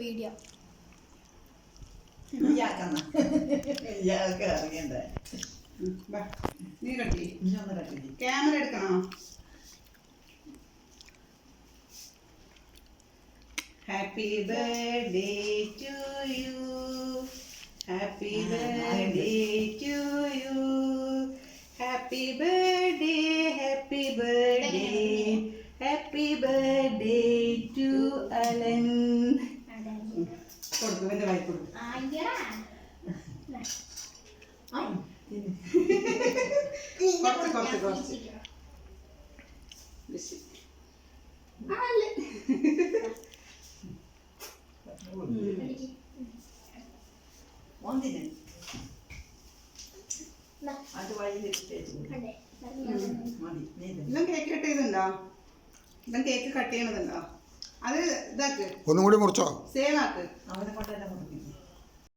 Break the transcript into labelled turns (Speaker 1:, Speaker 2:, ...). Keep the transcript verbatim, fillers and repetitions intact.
Speaker 1: Video.
Speaker 2: നീ കട്ടി camera എടുക്കണോ? Happy birthday to you, happy birthday to you, happy birthday, happy birthday, happy birthday to Alan. കൊടുക്കും, എൻ്റെ വായി കൊടുക്കും. കുറച്ച് കുറച്ച് കുറച്ച് ഇതും കേക്ക് കട്ട് ചെയ്തുണ്ടോ? ഇതും കേക്ക് കട്ട് ചെയ്യണതുണ്ടോ? അത് ഇതാക്ക്,
Speaker 3: ഒന്നും കൂടി മുറിച്ചോ,
Speaker 2: സേവ് ആക്ക്.
Speaker 4: അവനെ കൊണ്ടല്ല